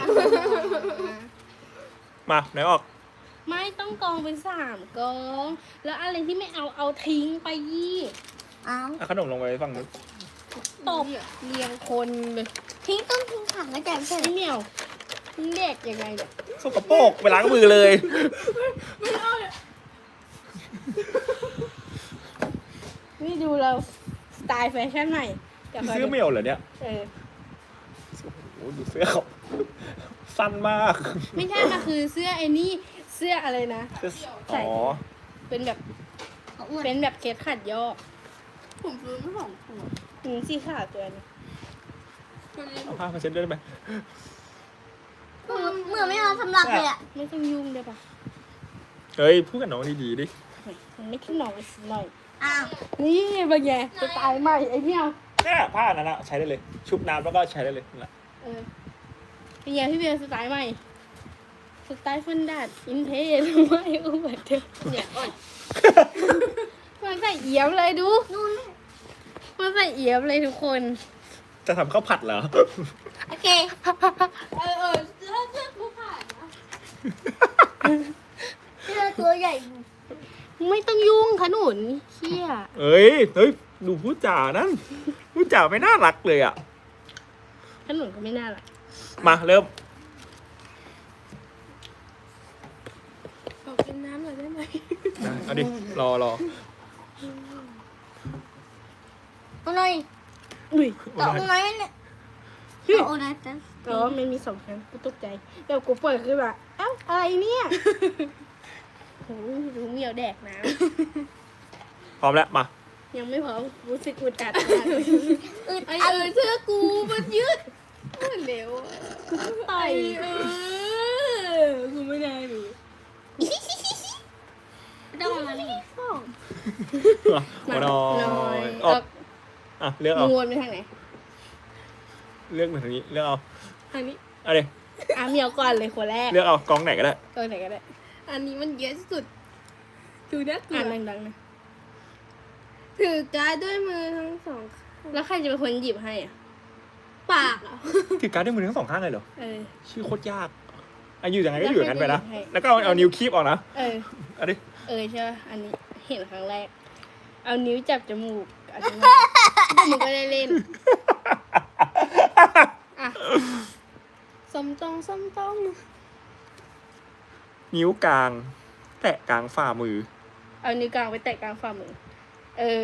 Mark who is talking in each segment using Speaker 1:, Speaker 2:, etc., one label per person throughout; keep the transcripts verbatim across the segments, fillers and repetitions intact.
Speaker 1: มาไหนออก
Speaker 2: ไม่ต้องกองเป็นสามกอง แล้วอะไรที่ไม่เอาเอาทิ้งไปยี่
Speaker 3: เอา
Speaker 1: เอาขนมลงไปฝั่งนู้น
Speaker 2: ตบเรียงคนเลย
Speaker 3: ทิ้งต้องทิ้งถังแล้วแกไม่ใช่เหรอ
Speaker 2: พี่เหมียวเด็กยังไงเนี่ย
Speaker 1: สกปรกไปล้างมือเลย
Speaker 2: นี่ดูเราสไตล์แฟชั่นใหม่กับ
Speaker 1: ซื้อเมลเหรอเนี่ย
Speaker 2: เออ
Speaker 1: โอ้โหดูเสื้อเขาสั้นมาก
Speaker 2: ไม่ใช่มันคือเสื้อไอ้นี่เสื้ออะไรนะ ใส่
Speaker 1: อ๋อ
Speaker 2: เป็นแบบ
Speaker 3: เขาอ้วน
Speaker 2: เป็นแบบเคสขัดย่อ
Speaker 4: ผมซื้อมาสองตัว
Speaker 2: หนึ่งสีขาวตัวนี้
Speaker 4: ตัวนี้
Speaker 1: เอาผ้ามาเช็ดด้วยได้ไหม
Speaker 3: เหมือนเหมือนไม่เอาสำหรับเลยอ่ะ
Speaker 2: ไม่ต้องยุ่งได้ปะ
Speaker 1: เฮ้ยพูดกับน้องดีๆดิ
Speaker 2: มันไม่ขึ้นหน่อยสิหน่อย
Speaker 3: อ้าว
Speaker 2: นี่บางแย่สไตล์ใหม่ไอ้เหมียว
Speaker 1: เนี่ยผ้านั้นนะใช้ได้เลย ชุบน้ำแล้วก็ใช้ได้เลยนั่นแหละ
Speaker 2: เออเป็นไงพี่เบียร์สไตล์ใหม่สไตล์ฟันดาดอินเทสไม่อู้เหมือนเดิมเนี่ยอ่อนมันใส่เอี่ยมเลยดู
Speaker 3: นู่น
Speaker 2: มันใส่เอี่ยมเลยทุกคน
Speaker 1: จะทำข้าวผัดเหรอ
Speaker 3: โอเค
Speaker 4: เออเออถ้าเชือกผู้ผ่านนะ
Speaker 3: เสื้อตัวใหญ่
Speaker 2: ไม่ต้องยุ่งขนุนเชี่ย
Speaker 1: เอ้ยเฮ้ยดูพูดจานั่นพูดจาไม่น่ารักเลยอ่ะ
Speaker 2: ขนุนก็ไม่น่ารัก
Speaker 1: มาเริ่ม
Speaker 4: ขอกินน้ำหน่อยได้ไหม
Speaker 1: เอาดิรอรอ
Speaker 3: เอาหน่อย
Speaker 2: อุ้ย
Speaker 3: ต่อเอาหน่อยเนี่ยเอาหน่อยจ้ะ
Speaker 2: อ๋อมันมีสองครั้งกูตกใจเดี๋ยวกูเปิดขึ้นมาเอ้าอะไรเนี่ยโอ้ยรู้เหมียวแดกน้
Speaker 1: พร้อมแล้วมา
Speaker 2: ำยังไม่พร้อมรู้สึกอุดอัดมาก
Speaker 3: อึด
Speaker 4: ไอ
Speaker 3: อัด
Speaker 4: เออเชือกกูมันยืดมันเร็วอะ
Speaker 2: ต่อย
Speaker 4: เออกูไม่ได้หรือ
Speaker 3: ต้องเอามานี่
Speaker 1: มาหน่อยออกอ่ะเลือก
Speaker 2: มึ
Speaker 1: เอา
Speaker 2: งวนไปทางไหน
Speaker 1: เลือกมาทางนี้เลือกเอา
Speaker 4: อันนี้
Speaker 1: เอาดิ
Speaker 2: อ่ะเหมียวก่อนเลยคนแรก
Speaker 1: เลือกเอากองไหนก็ได้
Speaker 2: ตัวไหนก็ได้
Speaker 4: อันนี้มันเยอะสุดดูน่ากลั
Speaker 2: อ่าน
Speaker 4: ว
Speaker 2: ดังๆนะ
Speaker 4: ถือการ์ดด้วยมือทั้งสองข้าง
Speaker 2: แล้วใครจะเป็นคนหยิบให้อ่ะ
Speaker 4: ปากอ่ะ
Speaker 1: ถือการ์ดด้วยมือทั้งสองข้างเลยเหรอ
Speaker 2: เออ
Speaker 1: ชื่อโคตรยากอ่ะอยู่ยังไงก็อยู่อย่างนั้นไปนะ
Speaker 2: ให้
Speaker 1: แล้วก็เอาเอานิ้วคีบออกนะ
Speaker 2: เออ
Speaker 1: เอาดิ
Speaker 2: เออใช่ป่ะอันนี้เห็นครั้งแรก เอานิ้วจับจมูกอันนี้มึงก็ได้เล่น อ่ะ
Speaker 4: สมตรงสมตรง
Speaker 1: นิ้วกลาง แตะกลางฝ่ามือ
Speaker 2: เอานิ้วกลางไปแตะกลางฝ่ามือ เออ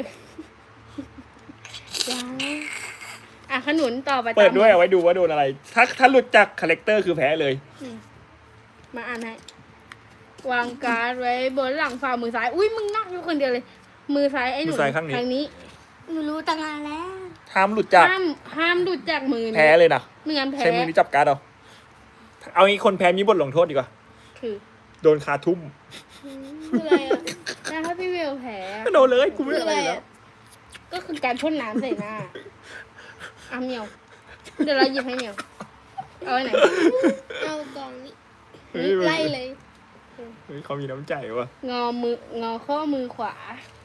Speaker 2: ยังอ่ะขนุนต่อไป
Speaker 1: เปิด
Speaker 2: ตาม
Speaker 1: ด้วยเอาไว้ดูว่าโดนอะไร ถ้าถ้าหลุดจากคาแรคเตอร์คือแพ้เลย
Speaker 2: มาอ่านให้ วางการ์ดไว้บนหลังฝ่ามือซ้าย อุ้ยมึงนักอยู่คนเดียวเลย มือซ้ายไอ้หนู
Speaker 1: มือซ้ายข้างนี้
Speaker 2: ทางนี้
Speaker 3: หนูรู้ตั้งนานแล้ว
Speaker 1: ห้ามหลุดจาก
Speaker 2: ห้ามห้ามหลุดจากมือนะ
Speaker 1: แพ้เลยนะ
Speaker 2: ไม่งั้นแพ้
Speaker 1: ใช้มือนี้จับการ์ดเอา เอางี้คนแพ้มีบทลงโทษดีกว่า
Speaker 2: คือ
Speaker 1: โดนคาทุ่ม
Speaker 4: คืออะไรอ่ะ
Speaker 2: แต่ถ้าพี่เวลแพ้อะ
Speaker 1: ก็โดนเลยกูไม่อะไรอยู่แล้ว
Speaker 2: ก็คือการพ่นน้ำใส่หน้าอ่ะเหมียว เดี๋ยวเราหยิบให้เหมียว เอาไว้ไหน
Speaker 4: เอากล่องนี้
Speaker 1: เฮ้ย
Speaker 4: ไล่เลย
Speaker 1: เฮ้ยเขามีน้ำใจว่ะ
Speaker 2: งอมืองอข้อมือขวา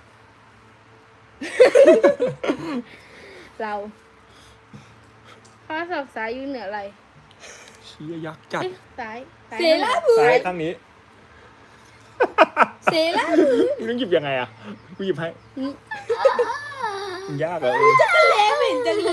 Speaker 2: เราข้อศอกซ้ายอยู่เหนือไหล่
Speaker 1: เชี่ยยักษ์จัด
Speaker 2: เอ้ยซ้ายซ้าย
Speaker 4: เซรามือ
Speaker 1: ซ้ายข้างนี้
Speaker 4: เซรามือ
Speaker 1: มึงต้องหยิบยังไงอ่ะกูหยิบให้
Speaker 2: นี่
Speaker 1: มันยากเหรอเออ
Speaker 4: แล้วเห็นจังเลย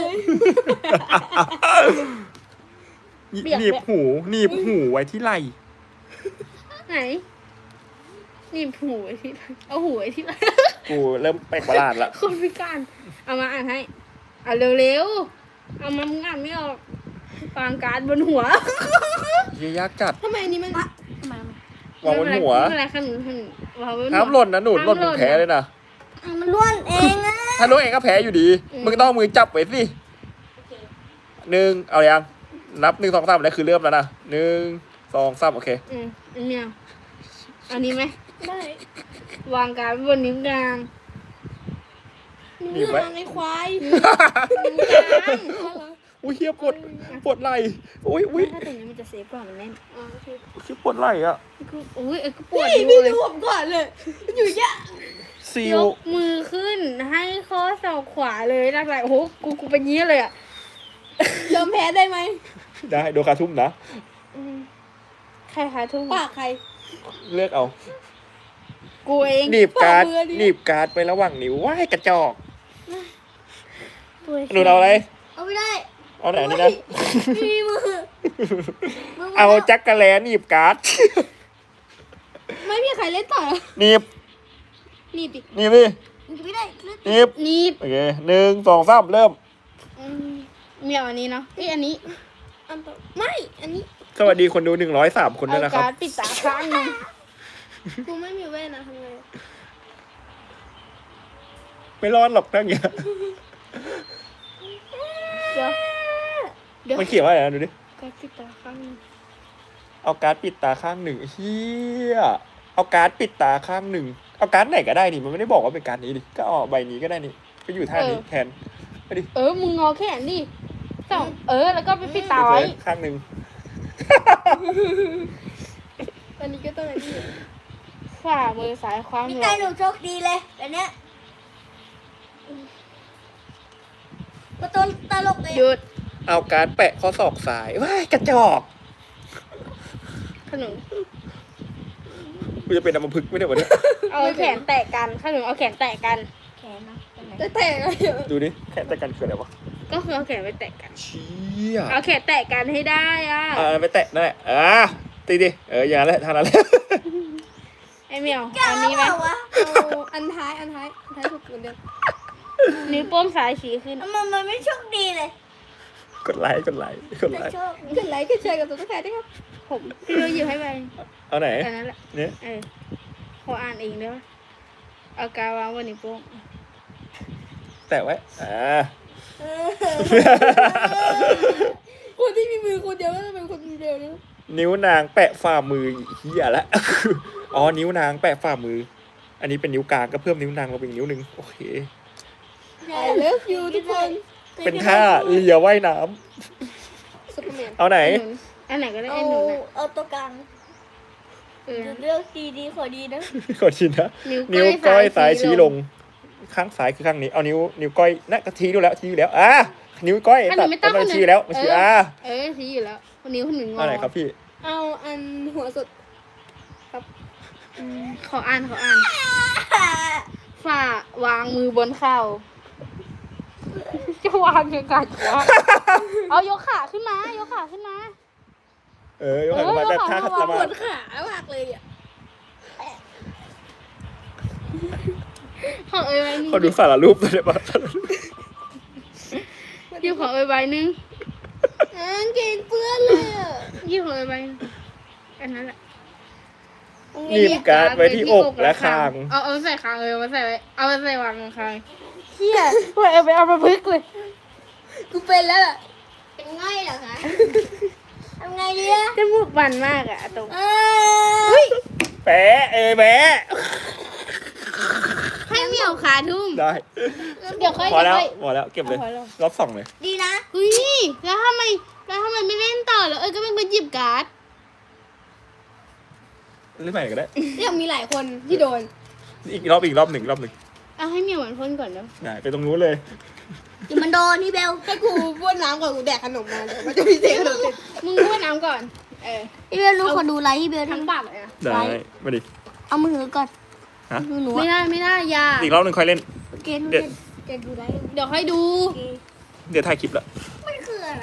Speaker 1: หนีบหูหนีบหูไว้ที่ไหล่
Speaker 2: ไหนหนี่หูไว้ที่ไหนเอาหูไว้ที่ไหน
Speaker 1: กูเริ่มแปลกประหลาดละ
Speaker 2: คนพิการ เอามาอ่านให้เอาเร็วๆ เอามามึงอ่านไม่ออกวางการ์ดบนหัว
Speaker 1: เชี่ยยักษ์จัด
Speaker 4: ทำไมอันนี้มัน
Speaker 3: ทำไม
Speaker 1: วางบนหัว
Speaker 2: ไม่เป็นไรขนุนขนุนวางบนหัว
Speaker 1: ห้ามหล่นนะหนูหล่นมึงแพ้เลยนะ
Speaker 3: อ่ะมันล้วนเองอ่ะ
Speaker 1: ถ้าล่วงเองก็แพ้อยู่ดี
Speaker 2: อืม
Speaker 1: มึงต้องเอามือจับไว้สิหนึ่งเอายังนับหนึ่งสองสามแล้วคือเริ่มแล้วนะหนึ่งสองสามโอเค
Speaker 2: อืมอันเนี้ยอันนี้ไหม
Speaker 4: ได้
Speaker 2: วางการ์ดบนนิ้วกลาง
Speaker 1: หนีบไว้
Speaker 4: ในควาย
Speaker 2: นิ้วกลาง
Speaker 1: อุ้ยเฮียปวดปวดไหล่อุ้ยอุ้ย
Speaker 2: ถ้าตรงนี้มันจะเซฟกว่ามันแน่น
Speaker 4: อ๋อโอเค
Speaker 1: เฮียปวดไหล่อะ
Speaker 2: กูอุ้ยเอ้ยกูปวด
Speaker 4: พี่
Speaker 2: นิ้
Speaker 4: พี่
Speaker 2: วเลย
Speaker 4: ดูผมก่อนเลยมันอยู่เยอะ
Speaker 1: ซิ
Speaker 2: ย
Speaker 1: ล
Speaker 2: กมือขึ้นให้ข้อศอกขวาเลยนักไหลโอ้โหกูกูเป็นเงี้ยเลยอ่ะ
Speaker 4: ยอมแพ้ได้ไหม
Speaker 1: ได้โดนคาทุ่มนะ
Speaker 2: ใครคะทุ่ง
Speaker 4: ปากใคร
Speaker 1: เลือกเอา
Speaker 2: กูเอง
Speaker 1: หนีบการ์ด
Speaker 4: ปากมือดิ
Speaker 1: หนีบการ์ดไประหว่างนิ้วว้ายกระจอก
Speaker 2: กูเอง
Speaker 1: หนูเอาอะไร
Speaker 3: เอาไม่ได้
Speaker 1: เอาไหนนี่นะ
Speaker 3: ไม่มีมือมือ
Speaker 1: เอาจักรแลหนีบการ์ด
Speaker 4: ไม่มีใครเล่นต่อ
Speaker 1: หนีบ
Speaker 4: นี่ดิ
Speaker 1: หนีบดิ
Speaker 3: ไม่ได้
Speaker 1: หนีบ
Speaker 2: นี่
Speaker 1: โอเคหนึ่งสองสามเริ่ม
Speaker 2: อืมเมียวอันนี้เนาะเอ้ยอันนี้
Speaker 4: อันต่อไม่อันนี้
Speaker 1: สวัสดีคนดูหนึ่งร้อยสามคนด้วย
Speaker 2: เอา
Speaker 1: นะครับ
Speaker 2: การ์ดปิดตาข้างหนึง
Speaker 4: กูไม่มีแว่นนะทำไง
Speaker 1: ไม่รอดหรอกทั้งอย่างเงี้ย
Speaker 2: เดี๋ยวเดี๋ยว
Speaker 1: มันเขียนว่าอะไรนะดูดิ
Speaker 2: การ์ดปิดตาข้างหนึง
Speaker 1: เอาการ์ดปิดตาข้างหนึ่งเฮียเอาการ์ดปิดตาข้างหนึ่งเอาการ์ดไหนก็ได้นี่มันไม่ได้บอกว่าเป็นการ์ดนี้ดิก็เอาใบนี้ก็ได้นี่ก็อยู่ท่านี้แทนไปดิ
Speaker 2: เออมึงงอแขนดิสองเออแล้วก็ไปปิดตาไว้
Speaker 1: ข้างหนึ่ง
Speaker 4: อันนี้ก็ต้องอันนี้
Speaker 2: ฝ่ามือซ้ายคว้า
Speaker 3: พี่
Speaker 2: มือ
Speaker 3: ไก่หนูโชคดีเลยแบบเนี้ยมาต้นตลกเลย
Speaker 2: หยุด
Speaker 1: เอาการ์ดแปะข้อศอกซ้ายว้ายกระจอก
Speaker 2: ขนม
Speaker 1: กูจะเป็นอัมพฤกษ์ไม่ได้วันนี้
Speaker 2: เอาแขนแตะกันขนมเอาแขนแตะกัน
Speaker 3: แขนนะเป็นไร
Speaker 4: จะแตกอะไรอยู่
Speaker 1: ดูดิแค่แต่กันคืออะไรวะ
Speaker 2: ก็คือเอาแขนไปแตะกัน
Speaker 1: เชี่ย
Speaker 2: เอาแขนแตะกันให้ได้อ่ะ
Speaker 1: อ่าไปแตะนั่นแหละอ่าตีดิเอออย่างนั้นแหละทางนั้นแหละ
Speaker 2: ไอเมียวเอานี้ไหม
Speaker 3: เอาวะ
Speaker 4: เอาอันท้ายอันท้ายอันท้ายถูกเหมือนเดิม
Speaker 2: นิ้วโป้งซ้ายชี้ขึ้น
Speaker 3: มันมันไม่โชคดีเลย
Speaker 1: กดไลค์กดไลค์กด
Speaker 3: แต่
Speaker 1: ไลค์
Speaker 3: โชค
Speaker 4: กดไลค์กดแชร์กับตัวแทนด้วยครับ
Speaker 2: ผมพี่เราหยิบให้ไป
Speaker 1: เอาไหน
Speaker 2: แค่นั้นแหละ
Speaker 1: เนี่ย
Speaker 2: เออขออ่านเองได้ปะเอากาวางบนนิ้วโป้ง
Speaker 1: แตะไว้อ่า
Speaker 3: เออ
Speaker 4: คนที่มีมือคนเดียวก็จะเป็นคนเดียวนะ
Speaker 1: นิ้วนางแปะฝ่ามือเฮียละ อ๋อนิ้วนางแปะฝ่ามือ อันนี้เป็นนิ้วกลางก็เพิ่มนิ้วนางมาเป็นนิ้วหนึ่งโอเค
Speaker 4: ไอเลิฟยูทุกคน
Speaker 1: เป็นท่าเรือว่ายน้
Speaker 4: ซุปเปอร์แมน
Speaker 1: ำเอาไหน
Speaker 2: หนุนอันไหนก็ได้
Speaker 3: เอา
Speaker 2: ไอ้หนุนน่ะ
Speaker 3: เอาตัวกลาง
Speaker 2: เออ
Speaker 3: เลือกดีดีขอดีนะ
Speaker 1: ขอชินนะ
Speaker 2: นิ้
Speaker 1: นิ้ว
Speaker 2: ว
Speaker 1: ก้
Speaker 2: ก้
Speaker 1: อ
Speaker 2: อย ย
Speaker 1: ซ้า
Speaker 2: ซ้าย ยชี้
Speaker 1: ชี้ล
Speaker 2: ล
Speaker 1: ง
Speaker 2: ง
Speaker 1: ข้างซ้ายคือข้างนี้ เอานิ้วนิ้วก้อยน่ะก็ชี้ดูแล้วชี้อยู่แล้ว อ่ะนิ้วก้อย
Speaker 2: อันหนึ่งไม่ต้อง
Speaker 1: ตัด
Speaker 2: อันหนึ่ง
Speaker 1: ชี้แล้วมันชี้
Speaker 2: เอออ่
Speaker 1: อ่ะ
Speaker 2: เออชี้อยู่แล้วนิ้วหนึ่งงอ
Speaker 1: เอาไหนครับพี่
Speaker 4: เอาอันหัวสุด
Speaker 2: อืมขออ่านขออ่านฝ่าวางมือบนเข่าจะวางยังไงวะเอายกขาขึ้นมายกขาขึ้นมา
Speaker 1: เออยกขาขึ้นมา
Speaker 2: เออย
Speaker 1: แต่
Speaker 2: กขา
Speaker 1: ท่า
Speaker 2: ขึ้นมา
Speaker 1: สมา
Speaker 4: ปวดขามากเลยอ่ะ
Speaker 2: ของเอ้ยใบหนึง
Speaker 1: ขอดูสารรูปหน่อยได้ปะ
Speaker 2: ยืมของเอ้ยใบหนึง
Speaker 4: อ่างเกงเปื้อนเลยอ่ะ
Speaker 2: ยืมของเอ้ยใบหนึ่งอันนั้นแหละ
Speaker 1: หนีบการ์ดไว้ที่อกและคาง
Speaker 2: เอาเอาใส่คางเลยเอามาใส่ไว้เอามาใส่วางคางเฮียว่าเอาไปเอามาพึกเลย
Speaker 4: กูเป็นแล้วล่ะ
Speaker 3: เป็นง่อยเหรอคะทำไงดีอะ
Speaker 2: จมูกมันมากอะตรง
Speaker 3: เออ
Speaker 1: แปะเอ้ยแปะ
Speaker 2: ให้เหมียวขาทุ่ม
Speaker 1: ได้
Speaker 2: เดี๋ยวค่อย
Speaker 1: พอแล้ว
Speaker 2: เดี๋ย
Speaker 1: พอแล้วเก็บเลย
Speaker 2: พอแล้ว
Speaker 1: รอบสองเลย
Speaker 3: ดีนะ
Speaker 2: เฮ้ยแล้วทำไมแล้วทำไมไม่เล่นต่อแล้วเอ้ยก็เป็นคนหยิบการ์ด
Speaker 1: เล่นใหม่ก็ได้
Speaker 4: ยังมีหลายคนที่โดน
Speaker 1: อีกรอบอีกรอบหนึ่งอีกรอบหนึ่ง
Speaker 2: เอาให้เหมียวเหมือนพ่นก่อนเนาะ
Speaker 1: ได้ไปตรงนู้นเลย
Speaker 3: เดี๋ยวมันโดนนี่เบล
Speaker 4: ให้กูบ้วนน้ำก่อนกูแดกขนมมาเลยมันจะมีเสียงขนมติด
Speaker 2: มึงบ้วนน้ำก่อนเออ
Speaker 3: พี่เบลรู้ขอดูไลท์พี่เบล
Speaker 2: ทั้ง
Speaker 3: ทำ
Speaker 2: ปากเลยนะ
Speaker 1: ได้มาดิ
Speaker 3: เอามือถือก่อน
Speaker 1: ฮะ
Speaker 3: ดูหนู
Speaker 2: ไม่
Speaker 3: อะ
Speaker 2: ได้ไม่ได้อยา
Speaker 1: อีกรอบหนึ่งค่อยเล่น
Speaker 3: โอเคทุก
Speaker 1: เดี๋ยว
Speaker 3: คน
Speaker 4: แกดูไลฟ์
Speaker 2: เดี๋ยวค่อยดู
Speaker 3: โอเค
Speaker 1: เดี๋ยวถ่ายคลิปละ
Speaker 3: มันคืออะไร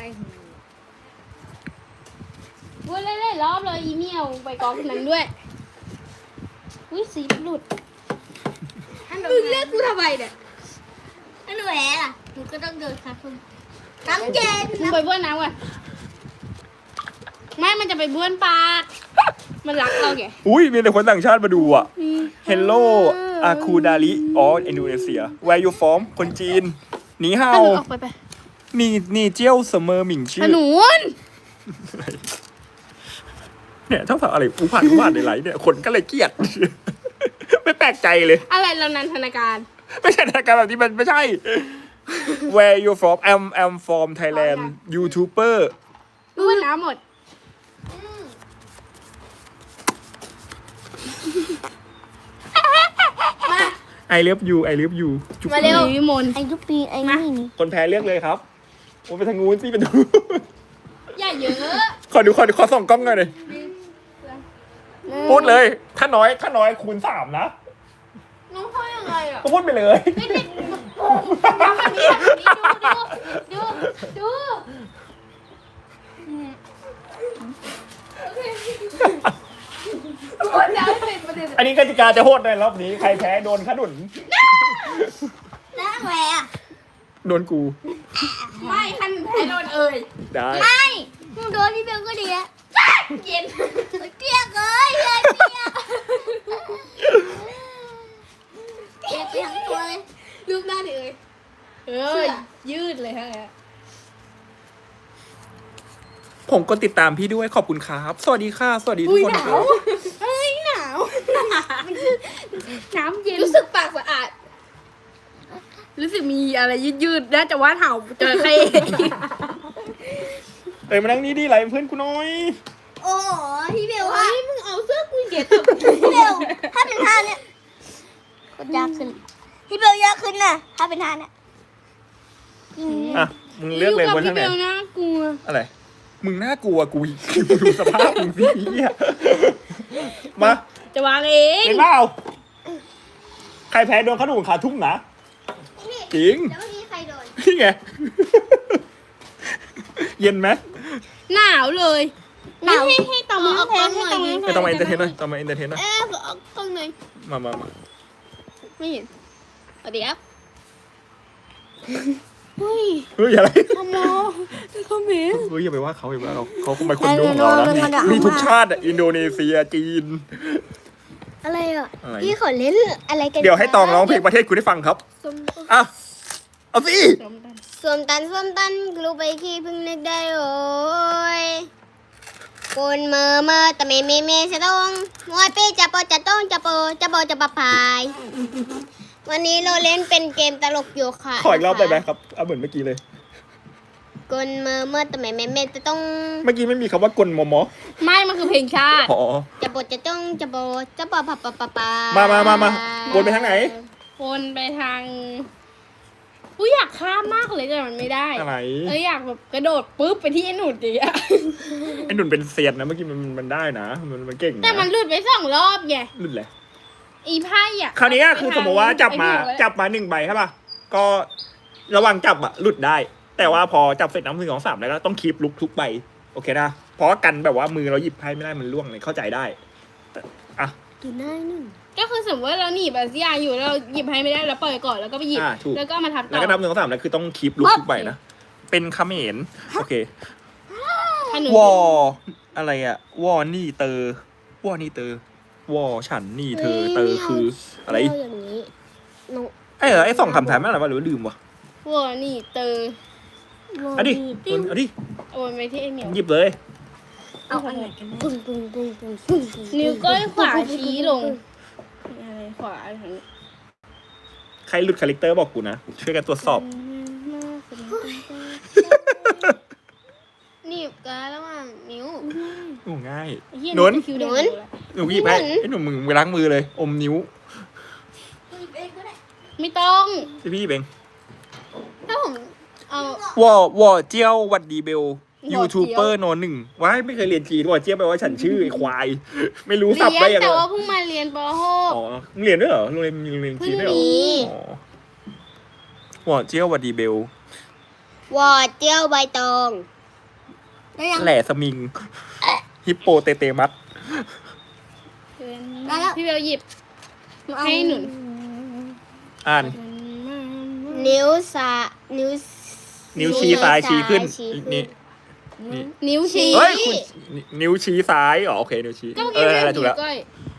Speaker 2: บ้วนเล่นๆรอบเลยอีเหมียวไปกองนั้นด้วยอุ้ยสีหลุด
Speaker 3: ถ้าหนู
Speaker 4: มึงเรียกกูทำไมเนี่ย
Speaker 3: ถ้าหนูแพ้ล่ะหนูก็ต้องเดินค่ะคุณน้ำเย็น
Speaker 2: มึงไปบ้วนน้ำก่อนไม่มันจะไปบ้วนปาก มันรักเราแก
Speaker 1: อุ้ยมีแต่คนต่างชาติมาดูอ่ะ Hello อาคูดาลิอ๋ออินโดนีเซีย Where you from คนจีนหนีเฮา
Speaker 2: ขนุนออกไปไป
Speaker 1: นี่นี่เจียวเสมอหมิง
Speaker 2: ข
Speaker 1: ชื่อ
Speaker 2: นุน
Speaker 1: เนี่ยถ้าฟังอะไรอุผ่านอุผ่านในไลฟ์เนี่ยคนก็เลยเกลียด ไม่แปลกใจเลย
Speaker 2: อะไรเรานันทนาการ
Speaker 1: ไม่ใช่รายการแบบนี้มันไม่ใช่ Where you from I'm I'm from Thailand YouTuber
Speaker 2: บ้วนน้ำหมด
Speaker 1: I love you I love you จุ๊บ
Speaker 2: มาเร็ววิมล
Speaker 3: ไอ้ทุกปีไอ้นี่นี่
Speaker 1: คนแพ้เลือกเลยครับโอ้ไปทางนู้นสิเป็นทาง
Speaker 2: อย่าเยอะ
Speaker 1: ขอดูขอดูขอส่องกล้องหน่อยเลยพูดเลย ถ้าน้อยถ้าน้อยคูณสามนะ
Speaker 4: น้องพ่อยังไงอ่ะ
Speaker 1: ก็พูดไปเลย
Speaker 2: ไม่ได้ทำแบบนี้แบบนี้ดูดูดู
Speaker 4: คนจะให้เป็นประเด็น
Speaker 1: อันนี้กติกาจะโหดในรอบนี้ใครแพ้โดนขนุน
Speaker 3: แล้วแหวะ
Speaker 1: โดนกู
Speaker 4: ไม่คันแพ้โดนเอ่ย
Speaker 1: ได้
Speaker 3: ไม่หนูโดนพี่เบลก็ดีอะเย็นเกลียกเลยเกลียกเกลียกเกลียกไปทั้งตัวเลย
Speaker 4: รูปหน้าดิเอ่ย
Speaker 2: เออยืดเลยฮะ
Speaker 1: ผมกดติดตามพี่ด้วยขอบคุณครับ สวัสดีค่ะ สวัสดีทุกคนครับ
Speaker 4: เฮ้ยหนาว
Speaker 2: น้ำเย็น
Speaker 4: รู้สึกปากสะอาด รู้สึกมีอะไรยืดๆน่าจะว่าเห่าเจอใคร
Speaker 1: เอ้ยมานั่งนี่ดิไรเพื่อนกูน้อย
Speaker 3: โอ้โหพี่เบล
Speaker 4: เฮ้
Speaker 3: ว่าย
Speaker 4: มึงเอาเสื้อกูเก็บ
Speaker 3: พี่เบลถ้าเป็นท่าเนี้ยก็ยากขึ้นพี่เบลยากขึ้นน่ะถ้าเป็นท่าเนี้ย
Speaker 1: อ่ะ มึงเลือกเลยบนทางไหน
Speaker 4: พี่เบลน่ากลัว
Speaker 1: อะไร มึงน่ากลัวกูอีกมึงดูสภาพมึงสิเหี้ยมา
Speaker 4: จะวางเอง
Speaker 1: เห็นเปล่าใครแพ้โดนขนุนขาทุ่งนะ จริง
Speaker 3: แล้วเมื่อกี้ใครโดน
Speaker 1: นี่ไง เย็นไหม
Speaker 4: หนาวเลยหนาวให้ให้ต่อมา
Speaker 3: เอา
Speaker 4: แพ้
Speaker 3: กล้อง
Speaker 4: ให้
Speaker 3: หน่อย
Speaker 4: ต่อมา
Speaker 1: ไม่ต้องมาเอนเตอร์เทนหน่อยต้องมาเอนเตอร์เทนหน่อย
Speaker 4: เอ๊ะเอากล้องหน่อย
Speaker 1: มามามา
Speaker 4: ไม่เห็นสวัสดีครับเฮ้ย
Speaker 1: เฮ้ยอะไร
Speaker 4: ขโมยขโมย
Speaker 1: เฮ้ยอย่าไปว่าเขาอย่าไปว่าเราเขาคงเป็นคนดูของเรานะมีทุกชาติอ่ะอินโดนีเซียจีน
Speaker 3: อะไรอ่ะ
Speaker 1: อะไร
Speaker 3: พี่ขอเล่นอะไรกัน
Speaker 1: เดี๋ยวให้ตองร้องเพลงประเทศคุณได้ฟังครับ
Speaker 4: ส้ม
Speaker 1: อ่ะ เอาสิ
Speaker 4: ส้มตัน
Speaker 3: สวมตันสวมตันกลูไปขี้เพึ่งนึกได้โอ้ยคนเมื่อเมื่อแต่ไม่ไม่ไม่จะต้องมวยเป้จะปอจะต้องจะโปจะโปจะปะพาย วันนี้เราเล่นเป็นเกมตลกโยคะ
Speaker 1: ขออีกรอบได้ไหมครับเอาเหมือนเมื่อกี้เลย
Speaker 3: คนเมื่อเมื่อแต่ไม่ไม่ไม่จะต้อง
Speaker 1: เมื่อกี้ไม่มีคำว่ากลมอมอ
Speaker 4: ไม่มันคือเพลงชาติ
Speaker 1: อ๋อ
Speaker 3: จะโปจะต้องจะโปจะปอปะปะปะปะ
Speaker 1: มามามามาวนไปทางไหน
Speaker 4: วนไปทางกูอยากข้ามมากเลยแต่มันไม่ได้
Speaker 1: อะไร
Speaker 4: เอออยากแบบกระโดดปุ๊บไปที่ไอ้หนุดดิอะ
Speaker 1: ไอ้หนุนเป็นเซียนนะเมื่อกี้มันมันได้นะ มันมันเก่ง
Speaker 4: แต่
Speaker 1: นะ
Speaker 4: มันหลุดไปสองรอบไง
Speaker 1: รุ่นแหละ
Speaker 4: อีไพ่อะ
Speaker 1: คราวนี้คือสมมติว่าจับมา
Speaker 4: ไอ้หนูเลย
Speaker 1: จับมาหนึ่งใบใช่ป่ะ ก็ระหว่างจับอะหลุดได้ แต่ว่าพอจับเสร็จน้ำหนึ่งสองสามแล้วก็ต้องคีบลุกทุกใบ โอเคนะ เพราะว่ากันแบบว่ามือเราหยิบไพ่ไม่ได้มันล่วงเลยเข้าใจได้แต่อ่ะ
Speaker 3: ดูหน้าหนึ่ง
Speaker 4: ก็คือสมมติว่าเราหนีบอาเซียอยู่แล้วเราหยิบให้ไม่ได้แล้วปล่อยก่อนแล้วก็ไปหยิบ
Speaker 1: อ่าถูก
Speaker 4: แล้วก็มาทับต่
Speaker 1: แล้ว
Speaker 4: อ
Speaker 1: ก็นับหนึ่งสองสามแล้วคือต้องคีบลุกทุกใบนะ เป็นเขมรโอเค
Speaker 4: ถ้าหนู
Speaker 1: วออะไรอะวอนี่เตอร์วอนี่เตอร์วอฉันนี่เธอเตอร์คืออะไร
Speaker 3: เาอย่างนี้น้อง
Speaker 1: ไอ้เหรอไอ้สองคำถามนั่นอะไรวะหรือว่าลืมวะ
Speaker 4: วัวนี่เตอร์
Speaker 1: เอาดิเอาดิ
Speaker 4: โอนไปที่ไอ้เหมียว
Speaker 1: หยิบเลย
Speaker 4: เอาอันไหนกัน
Speaker 3: ปึ้งปึ้งปึ้งปึ้งปึ้งปึ้ง
Speaker 4: นิ้วก้อยขวาชี้ลงอะไรขวาทางนี้
Speaker 1: ใครหลุดคาแรคเตอร์บอกกูนะ ช่วยกันตรวจสอบ
Speaker 3: หนีบกันระหว่างนิ้ว
Speaker 1: โอ้ง่าย
Speaker 4: ไอ้เหี้ย
Speaker 1: หนุน
Speaker 4: คิวเดิ
Speaker 3: หนุน
Speaker 1: หนูหยิบให้ไอ้หนูมึงไปล้างมือเลย อมนิ้ว
Speaker 4: ไม่ต้อง
Speaker 1: พี่พี่เบง
Speaker 4: ถ้าผมเอา
Speaker 1: วอวอเจียววัดดีเบลยูทูบเบอร์โนหนึ่งว้ายไม่เคยเรียนจีนวอเจียวแปลว่าฉันชื่อไอ้ควาย ไม่รู้สับ
Speaker 4: เรี
Speaker 1: ไป
Speaker 4: ยน
Speaker 1: ยังไง
Speaker 4: แต่ว่าเพิ่งมาเรียนป
Speaker 1: อ๋อมึงเรียนด้วยเหรอโรงเรียนมีโรงเรียนจีนด้วยเหรออ๋อวอเจียววัดดีเบล
Speaker 3: วอดเจียวใบตองได้ยัง
Speaker 1: แหล่สมิง ฮิปโปเตเตมัส
Speaker 3: ได้แล้ว
Speaker 4: พี่เบลหยิบให้หนุน
Speaker 1: อ่าน
Speaker 3: นิ้วสานิ้ว
Speaker 1: นิ้วชี้ซ้ายชี้ขึ้น
Speaker 3: ชี้ขึ้น
Speaker 1: นี่นี่
Speaker 4: นิ้วชี้
Speaker 1: เฮ้ยคุณนิ้วชี้ซ้ายอ๋อโอเคนิ้วชี้
Speaker 4: ก็
Speaker 1: เอ
Speaker 4: เมื่อกี้
Speaker 1: อ
Speaker 4: ไม่
Speaker 1: อะไรถูก
Speaker 4: นิ้
Speaker 1: แล้ว ว
Speaker 4: ก้อย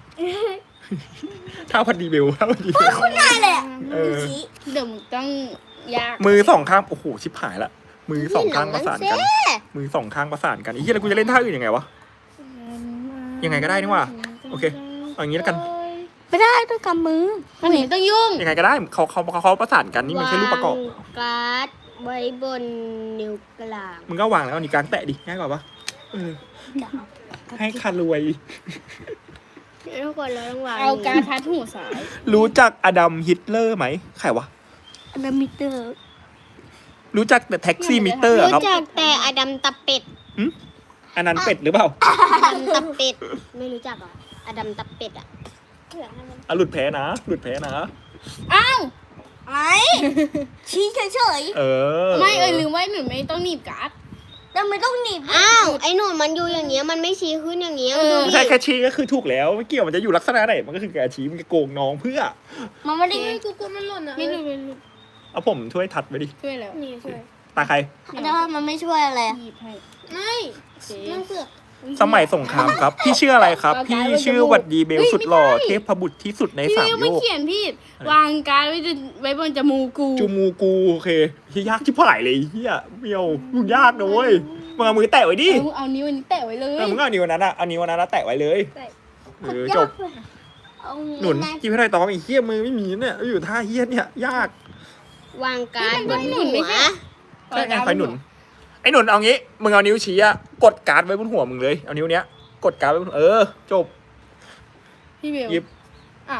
Speaker 1: ท่าพัดดีเบลท่าพัดดีเบล
Speaker 3: คุณได้เลยอะ
Speaker 1: เออ
Speaker 3: ชี้
Speaker 4: เดี๋ยวมึงต้องยาก
Speaker 1: มือสองข้างโอ้โหชิบหายละมือสองข้างประสานกัน
Speaker 3: เซ่
Speaker 1: มือสองข้างประสานกันไอ้เหี้ยแล้วกูจะเล่นท่าอื่นยังไงวะ ยังไงก็ได้นี่หว่าโอเคเอาอย่างงี้แล้วกัน
Speaker 3: ไม่ได้ต้องกำมือ
Speaker 4: มันไม่ต้องยุ่ง
Speaker 1: ยังไงก็ได้เขาเขาเขาประสานกันนี่มันแค่รูปประกอบ
Speaker 3: วางการ์ดไว้บนนิ้วกลาง
Speaker 1: มึงก็วางแล้วเอานี่กลางแตะดิง่ายกว่าปะเออให้คารวย
Speaker 3: ทุกคนเราต้องวาง
Speaker 4: เอาการทัดหูซ้าย
Speaker 1: รู้จักอดัมฮิตเลอร์ไหมใครวะ
Speaker 3: อดัมมิเตอร์
Speaker 1: รู้จักแต่แท็กซี่มิเตอร์อะครับ
Speaker 3: รู้จักแต่อดัมตะเป็ด
Speaker 1: หึอันนั้นเป็ดหรือเปล่า
Speaker 3: อดัมตับเป็ด ไม่รู้จักเหรออดัมตับเป็ดอ่ะ
Speaker 1: อ่ะหลุดแพ้นะ หลุดแพ้นะ
Speaker 2: อ้าว
Speaker 3: ไอ้ชี้เฉย
Speaker 1: เออ
Speaker 2: ไม่เออลืมไว้หนูไม่ต้องหนีบการ์ด
Speaker 3: ๆแล้วไม่ต้องหนีบอ้าว ไอ้หนูมันอยู่อย่างเงี้ย มันไม่ชี้ขึ้นอย่างเงี้ย
Speaker 2: เออ
Speaker 3: ดู
Speaker 1: ไม่
Speaker 3: ดิ
Speaker 1: ใช่แค่ชี้ก็คือถูกแล้วไม่เกี่ยวมันจะอยู่ลักษณะไหนมันก็คือการชี้มันจะโกงน้องเพื่อ
Speaker 3: มันไม่ได้
Speaker 4: ไม่กูกลัวมันหล่นอ่ะ
Speaker 2: ไม่รู้ไม่รู้
Speaker 1: เอาผมช่วยทัดไปดิ
Speaker 2: ช่วยแล้ว
Speaker 4: นี่ช่วย
Speaker 1: ตาใคร
Speaker 3: แต่ว่ามันไม่ช่วยอะไรอะ
Speaker 2: หยิบให้
Speaker 4: ไม่
Speaker 2: โอเค
Speaker 3: มันเสือก
Speaker 1: สมัยสงครามครับ พี่ชื่ออะไรครับ พี่ชื่อวัดดีเบลสุดหล่อเทพบุตรที่สุดใน
Speaker 2: พี่
Speaker 1: สาม
Speaker 2: เบล
Speaker 1: โล
Speaker 2: ไม่
Speaker 1: ก
Speaker 2: เขียนพี่วางการ์ดไว้จะไว้บนจมูกกู
Speaker 1: จูมูกูโอเคเฮียยากชิบหายเลยเฮียเบี้ยวมึงยากนะเว้ยมึงเอามือแตะไว้ดิ
Speaker 2: เอาเอานิ้วอันนี้แตะไว้เลย
Speaker 1: เออมึงเอานิ้วนั้นอะเอานิ้วนั้นนะแตะไว้เลยเออจบ
Speaker 3: เอา
Speaker 1: หนุนกินไม่ได้ตองไอ้เฮียมือไม่มีเนี่ยอยู่ท่าเฮียเนี่ยยาก
Speaker 3: วางการ์ดบน
Speaker 2: หนุ
Speaker 3: หั
Speaker 2: นไม่
Speaker 3: ว
Speaker 2: ใช่
Speaker 1: ใช่ไงใครหนุนไอ้หนุนเอางี้มึงเอานิ้วชี้อะกดการ์ดไว้บนหัวมึงเลยเอานิ้วเนี้ยกดการ์ดไว้บนเออจบ
Speaker 2: พี่เบล
Speaker 1: หยิบ
Speaker 2: อ้าว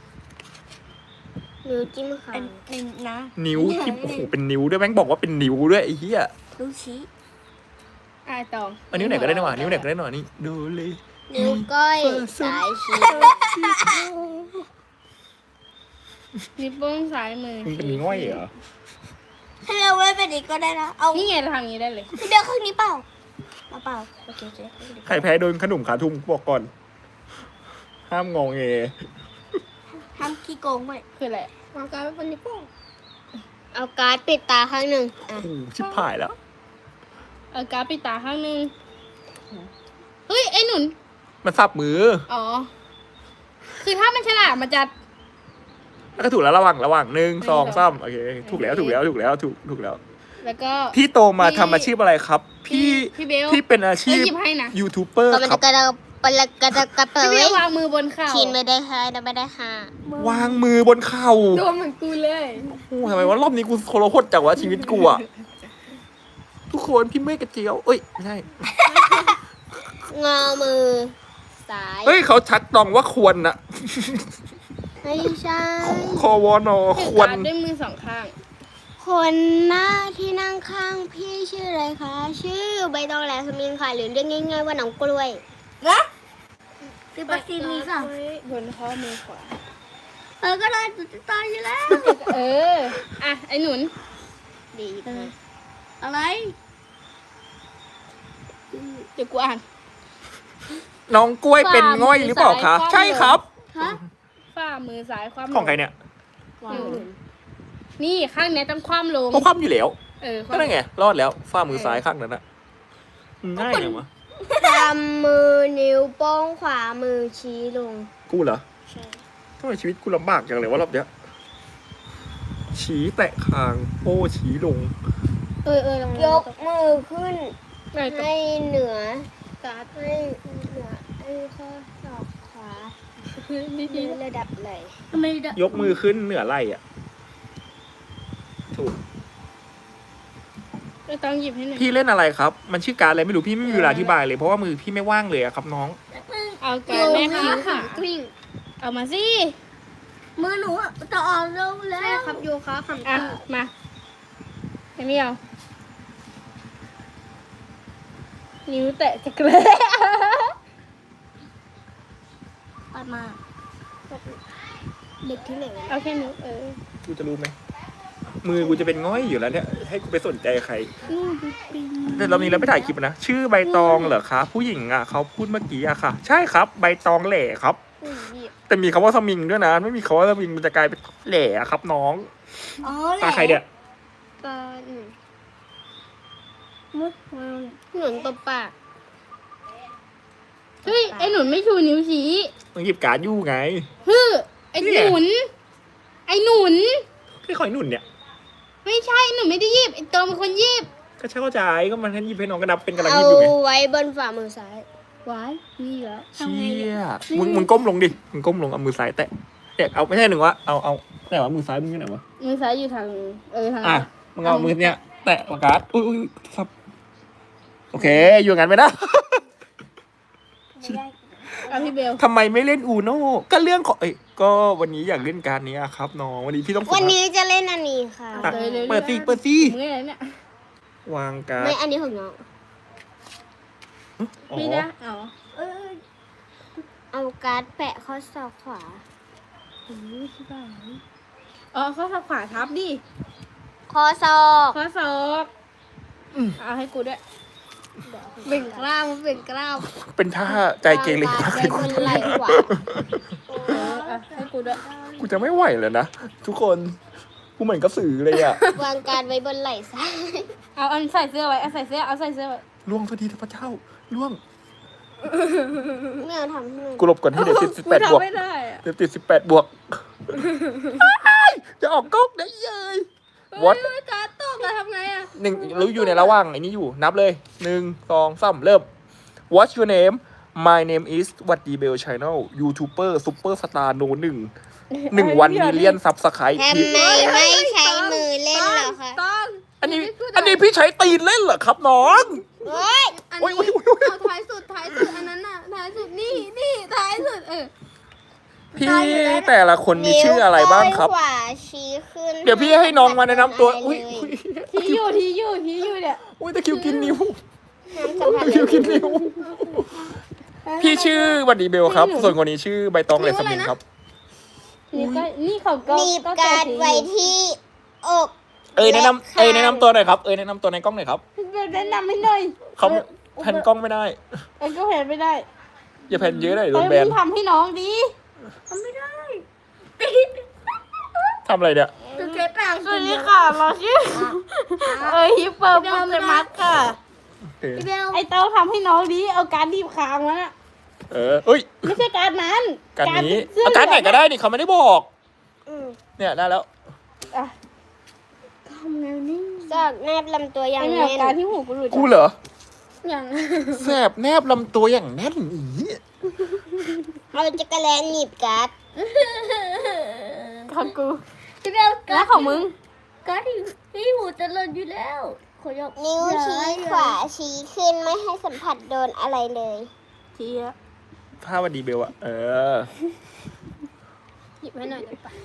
Speaker 3: นิ้วจิ้มขา
Speaker 4: นี่นะ
Speaker 1: นิ้วที่โอ้โหเป็นนิ้วด้วยแม่งบอกว่าเป็นนิ้วด้วยไอ้เหี้ย
Speaker 3: นิ้วชี้
Speaker 2: อ่าตอง
Speaker 1: อันนิ้วไหนก็ได้นะวะนิ้วไหนก็ได้หน่อยนี่ดูเลย
Speaker 3: นิ้วก้อยสายชี้
Speaker 2: นิ้วโป้งซ้ายมือ
Speaker 1: มึงเป็นง่อยเหรอ
Speaker 3: ให้เราไว้เป็นอีกก็ได้นะ เอา
Speaker 2: นี่ไงเราทำอย่างนี้ได้เลย
Speaker 3: พี่เดียวครึ่งนี้เปล่าเอาเปล่าโอเคโอเค
Speaker 1: ใครแพ้โดนขนมขาทุ่มบอกก่อน ห้ามงองเง
Speaker 3: ทำขี้โกงไหม
Speaker 2: คืออะไร
Speaker 4: วางการไว้บนนิ้วโป้ง
Speaker 3: เอาการ์ดปิดตาข้างหนึ่งอ่ะ
Speaker 1: โอ้โหชิบหายแล้ว
Speaker 2: เอาการ์ดปิดตาข้างนึงเฮ้ยไอ้หนุน
Speaker 1: มันสับมือ
Speaker 2: อ๋อ คือถ้ามันฉลาดมันจะ
Speaker 1: แล้วก็ถูกแล้วระหว่างระหว่างหนึ่งสอง
Speaker 2: หนึ่งส
Speaker 1: สา
Speaker 2: อง
Speaker 1: มโอเคถูกแล้วถูกแล้วถูกแล้วถูกถูกแล้ว
Speaker 2: แล้วก็
Speaker 1: พี่โตมา
Speaker 2: พี่
Speaker 1: ทำอาชีพอะไรครับ พี่
Speaker 2: พี่เบล
Speaker 1: พี่เป็นอาชีพ
Speaker 2: เอ้ยหยิบให้นะ
Speaker 1: ยูทูบเบอร์
Speaker 3: ก็มัน
Speaker 1: ครั
Speaker 3: จะ
Speaker 1: บ
Speaker 3: กระดกปะละกระดกกระเป๋
Speaker 2: พี่เบล
Speaker 3: ยว
Speaker 2: างมือบนเข่า
Speaker 3: คินไม่ได้ค่ะไม่ได้ค่ะ
Speaker 1: วางมือบนเข่า
Speaker 4: ตัวเหมือนกูเลย
Speaker 1: โอ้ทำไมว่ารอบนี้กูโคโรโคตรจังวะชีวิตกูอะทุกคนพี่เมฆกระเจียวเอ้ยไม่ใช่
Speaker 3: งอมือซ้าย
Speaker 1: เฮ้ยเขาชัดตองว่าควรนะ
Speaker 3: ไม่ใช่
Speaker 1: คอวอนอ
Speaker 2: ถือ
Speaker 1: ควร
Speaker 2: การ์ดด้วยมือสองข้าง
Speaker 3: คนหน้าที่นั่งข้างพี่ชื่ออะไรคะ ชื่อใบตองแหลมสมิงค่ะ หรือเรียกง่ายๆว่าน้องกล้วยนะคือปักซีมีค่ะ
Speaker 2: ไว้บนข้อมือขวา
Speaker 3: เออก็ได้จุดตายอยู่แล้ว
Speaker 2: เออ อ่ะ ไอ้หนุน
Speaker 3: ดีอะไร
Speaker 2: เดี๋ยวกูอ่าน
Speaker 1: น้องกล้วยเป็นง่อยหรือเปล่าคะ
Speaker 2: ฝ่ามือซ้าย
Speaker 1: ใช่ครับ
Speaker 3: ฮะ
Speaker 2: ฝ่ามือซ้ายคว่ำล
Speaker 1: ของใครเนี่ย
Speaker 2: หนุนนี่ข้างเนี้ยต้องคว่ำลง
Speaker 1: ก็คว่ำอยู่แล้ว
Speaker 2: เออ
Speaker 1: ก็ได้ไง รอดแล้วฝ่ามือซ้ายข้างนั้นอะง่ายเลยวะ
Speaker 3: ทำมือนิ้วโป้งขวามือชี้ลง
Speaker 1: กูเหรอ
Speaker 3: ใช่
Speaker 1: ทำไมชีวิตกูลำบากจังเลยวะรอบเนี้ยชี้แตะคางโป้ชี้ลง
Speaker 2: เออเออลอง
Speaker 3: ยกมือขึ้น
Speaker 2: ไปต่อ
Speaker 3: ให้เหนือการ์ดให้เหนือให้ข้อศอกขวา
Speaker 2: ดี
Speaker 3: ในระดับไหล
Speaker 2: ๆทำไมได้
Speaker 1: ยกมือขึ้นเหนือไหล่อะถูก
Speaker 2: เออต้องหยิบให้หน่อย
Speaker 1: พี่เล่นอะไรครับ มันชื่อการอะไรไม่รู้พี่ไม่มีเวลาอธิบายเลยเพราะว่ามือพี่ไม่ว่างเลยอะครับน้อง
Speaker 2: เอาการแม่ค้าค่ะ
Speaker 3: กลิ้ง
Speaker 2: เอามาสิ
Speaker 3: มือหนูอะจะอ่อนลงแล้วใช่ครับโยคะขำ
Speaker 2: อ่ะ มาไม่มีเอานิ้วแตะจะเกลือ
Speaker 3: ปัดมาเด็กที่ไหนวะ
Speaker 2: เอาแค่นิ้วเออ
Speaker 1: กูจะรู้ไหมมือกูจะเป็นง่อยอยู่แล้วเนี่ยให้กูไปสนใจใครแต่เรานี้เราไม่ถ่ายคลิปนะชื่อใบตองเหรอคะผู้หญิงอ่ะเขาพูดเมื่อกี้อะค่ะ ใช่ครับ ใบตองแหล่ครับ
Speaker 2: อุ้ยเหยียบ
Speaker 1: แต่มีคำว่าสมิงด้วยนะไม่มีคำว่าสมิงมันจะกลายเป็นแหล่อะครับน้อง
Speaker 3: อ๋อ
Speaker 1: ตาใครเนี่ย
Speaker 3: ตาหนู
Speaker 2: มุด
Speaker 3: หนุนตบปาก
Speaker 2: เฮ้ย ไอ้หนุนไม่ชูนิ้วชี้
Speaker 1: มึงหยิบการ์ดยู่ไง
Speaker 2: ฮึไอ้หนุน ไอ้หนุน
Speaker 1: พี่คอยหนุ่นเนี่ย
Speaker 2: ไม่ใช่ หนุนไม่ได้หยิบ ไอ้ตองเป็นคนหยิบ
Speaker 1: ก็ใช่เข้าใจก็มันให้หยิบให้น้องกระดับเป็นกระดับห
Speaker 3: เอา
Speaker 1: ยิบอยู่ไง
Speaker 3: ไว้บนฝ่ามือซ้าย
Speaker 2: ไว้นี่เหรอ
Speaker 1: เชี่ยมึงมึงก้มลงดิมึงก้มลงเอามือซ้ายแตะเด็กเอาไม่ใช่หนึ่งวะเอาเอาไหนวะมือซ้ายมึงอยู่ไหนวะ
Speaker 2: มือซ้ายอยู่ทาง เออทาง
Speaker 1: อ่ะมึงเอามือเนี้ยแตะปากกาดอุ้ยอุ้ยครับโอเค อยู่งั้นไปนะ
Speaker 2: เอาพี่เบล
Speaker 1: ทำไมไม่เล่นอูโน่ก็เรื่องของเอ้ยก็วันนี้อยากเล่นการนี้อะครับน้องวันนี้พี่ต้องฝึก
Speaker 3: วันนี้จะเล่นอันนี้ค่ะ
Speaker 1: อ่ะ
Speaker 2: เลยเลย
Speaker 1: เปิดสิเปิดสิ
Speaker 2: มืออะไรเนี่ย
Speaker 1: วางการ
Speaker 3: ไม่
Speaker 1: ด
Speaker 3: อันนี้ของน้อง
Speaker 1: อ๋อ
Speaker 4: ไม่ได้อ๋อ
Speaker 3: เออเอาการ์ดแปะข้อศอกขวา
Speaker 4: อ๋อข้อศอกขวาทับดิ
Speaker 3: ข้อศอก
Speaker 4: ข้อศอกเอาให้กูด้วยเบ่งกล้ามเบ่งกล้าม
Speaker 1: เป็นท่าใจเกเร
Speaker 3: วาง
Speaker 1: มาก
Speaker 3: การ์ด
Speaker 1: เล
Speaker 3: ไว้
Speaker 1: ย
Speaker 3: บนไหล่ขวา
Speaker 4: เออเอาให้กูด้วย
Speaker 1: กูจะไม่ไหวแล้วนะทุกคนกูเหมือนกระสือเลยอ่ะ
Speaker 3: วางการ์ดไว้บนไหล่ซ้าย
Speaker 4: เอาอันใส่เสื้อไว้เอาใส่เสื้อเอาใส่เสื้อไว้
Speaker 1: ล่วงสักทีเถอะพระเจ้าล่วง
Speaker 3: ไม่เอาทำให้มัน
Speaker 1: กูหลบก่อนให้เดี๋ยวติดสิบแปดบวก
Speaker 4: กูทำไม่ได้อะ
Speaker 1: เดี๋ยวติดสิบแปดบวกจะออกก๊อกได้เย้ย What
Speaker 4: เฮ้ยการ์ดตกอะทำไงอะ
Speaker 1: หนึ่งรู้อยู่ในระหว่างไอ้นี้อยู่นับเลยหนึ่งสองสามเริ่ม What's your name My name is วัดดีเบล Channel YouTuber Super Star No หนึ่งหนึ่งวันมิเลียนซับสไครต์
Speaker 3: ทำไมไม่ใช้มือเล่นเหรอคะ
Speaker 4: ต้อง
Speaker 1: อันนี้อันนี้พี่ใช้ตีนเล่นเหรอครับน้อง
Speaker 3: เฮ้ย
Speaker 4: อัน
Speaker 1: โอ้ย
Speaker 4: นี้
Speaker 1: โอ้ยโอ้ย
Speaker 4: เอาท้ายสุดท้ายสุดอันนั้นน่ะท้ายสุดนี่นี่ท้ายสุดเออ
Speaker 1: พี่แต่ละคนมีชื่ออะไรบ้างครับ
Speaker 3: นิ้วก้อยขวาชี้ขึ้น
Speaker 1: เดี๋ยวพี่ให้น้องมาแนะนำตัวอุ้ยอุ้ย
Speaker 4: ทีอยู่ทีอยู่ทีอยู่เนี่ย
Speaker 1: อุ้ยตะคริวกินนิ้ว
Speaker 3: ห้ามสัมผัส
Speaker 1: ตะคริวกินนิ้วพี่ชื่อวัดดีเบลครับ ส่วนคนนี้ชื่อใบตองเลสมินครับ
Speaker 4: นี่ก็นี่เขาก็
Speaker 3: หนีบ
Speaker 4: ก็
Speaker 3: การ์ด
Speaker 4: ที
Speaker 3: ไว้ที่อก
Speaker 1: เอ้ยแนะนำเอ้ยแนะนำตัวหน่อยครับเอ้ยแนะนำตัวในกล้องหน่อยครับ
Speaker 4: แนะนำให้หน่อย
Speaker 1: เขาแผ่นกล้องไม่ได้
Speaker 4: เอ้ยก็แผ่นไม่ได้
Speaker 1: อย่าแผ่นเยอะเลยโดนแบ
Speaker 4: เอ้ย
Speaker 1: น
Speaker 4: มึงทำให้น้องดิทำไม่ได้
Speaker 1: ทำอะไรเนี่ย
Speaker 4: จะเจ๊ต่างสวัสดีค่ะเราชื่อเอ้ยฮิปเปอร์โปเกมัสค่ะ
Speaker 1: เออ
Speaker 4: ไอเต้าทำให้น้องดิเอาการดีบคางมาน่ะ
Speaker 1: เออเอ้ย
Speaker 4: ไม่ใช่การนั้น
Speaker 1: การนี้
Speaker 4: เสื้
Speaker 1: เอาการไหนก็ได้นี่เขาไม่ได้บอก
Speaker 3: อืม
Speaker 1: เนี่ยได้แล้ว
Speaker 4: อ่ะทำไงนี่
Speaker 3: ซอกแนบลำตัวอย่าง
Speaker 4: ไอแม
Speaker 3: แน่
Speaker 4: วน การที่หูกูหลุด
Speaker 1: กูเหรอ
Speaker 4: อย่าง
Speaker 1: แสบแนบลำตัวอย่างแน่นอี
Speaker 3: เอาจักรแลนหนีบการ์ด
Speaker 4: ของกู
Speaker 2: พี่เบล
Speaker 4: แล้วของมึง
Speaker 2: การ์ดที่ที่หูจะหล่นอยู่แล้วขอยก
Speaker 3: นิ้วชี้ขวาชี้ขึ้นไม่ให้สัมผัสโดนอะไรเลย
Speaker 4: ทีอะ
Speaker 1: ถ้าวันดีเบลอะเออ
Speaker 4: หยิบให้หน่อยได้ปะ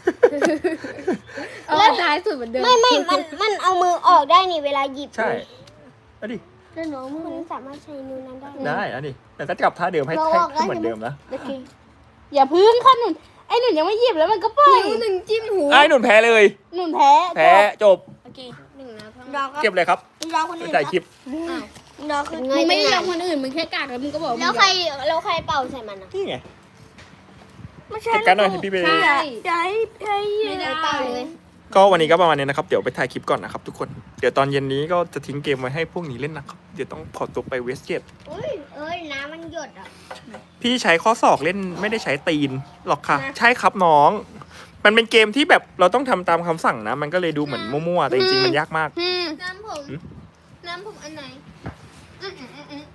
Speaker 4: เอาท้ายสุดเหมือนเดิม
Speaker 3: ไม่ไม่มันมันเอามือออกได้นี่เวลาหยิบ
Speaker 1: ใช่เอาดิ
Speaker 2: แล้วน้องมึง
Speaker 3: คุณสามารถใช้นิ้วนั้นได้
Speaker 1: ได้เอาดิแต่ก็จับท่าเดิมให้ให้ให้เหมือนเดิมนะ
Speaker 4: โอเคอย่าพึ่งค่ะหนุนไอหนุนยังไม่หยิบแล้วมันก็ปล่อย
Speaker 2: นิ้วหนึ่งจิ้มหู
Speaker 1: ไอ้หนุนแพ้เลย
Speaker 4: หนุนแพ้
Speaker 1: แพ้จบ
Speaker 4: โอเคหนึ่งนะ
Speaker 3: ดอกครับ
Speaker 1: เก็บเลยครับ
Speaker 3: ดอกคนอื่น
Speaker 1: จ่ายคลิป
Speaker 3: ดอกคือ
Speaker 4: มึงไม่ได้ลองคนอื่นมึงแค่กากแล้วมึงก็บอก
Speaker 3: แล้วใครแล้วใครเป่าใส่มันอ่ะ
Speaker 1: นี่ไง
Speaker 3: ไม่ใช่
Speaker 1: จัดการหน่อยพี่เบล
Speaker 4: ใช่
Speaker 3: ใช่ใช่ไม่ได้เป่าเลย
Speaker 1: ก็วันนี้ก็ประมาณนี้นะครับ เดี๋ยวไปถ่ายคลิปก่อนนะครับทุกคน เดี๋ยวตอนเย็นนี้ก็จะทิ้งเกมไว้ให้พวกนี้เล่นนะครับ เดี๋ยวต้องขอตัวไปเวสเกต
Speaker 3: อุ้ยเอ้ยน้ำมันหยดอ่ะ
Speaker 1: พี่ใช้ข้อศอกเล่นไม่ได้ใช้ตีนหรอกค่ะ ใช่ครับน้อง มันเป็นเกมที่แบบเราต้องทำตามคำสั่งนะ มันก็เลยดูเหมือนมั่วๆ แต่จริงๆมันยากมาก
Speaker 4: อืม
Speaker 2: น้ำผม
Speaker 1: หืม
Speaker 2: น้ำผมอันไหนอืมอืมอืมอืม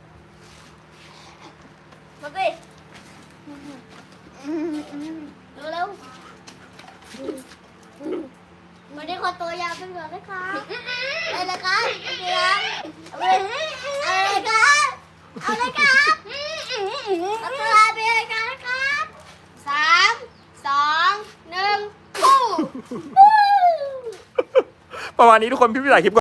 Speaker 3: มาสิ
Speaker 2: เร็วเร็ว
Speaker 3: มาได้ขอตัวยาวเป็นเหลือไหมคะอะไรนะคะเดี๋ยวอะไรคะอะไรคะเอาตัวไปเลยกันนะครับสามสองหนึ่ง
Speaker 1: ประมาณนี้ทุกคนพี่พี่ถ่ายคลิปก่อน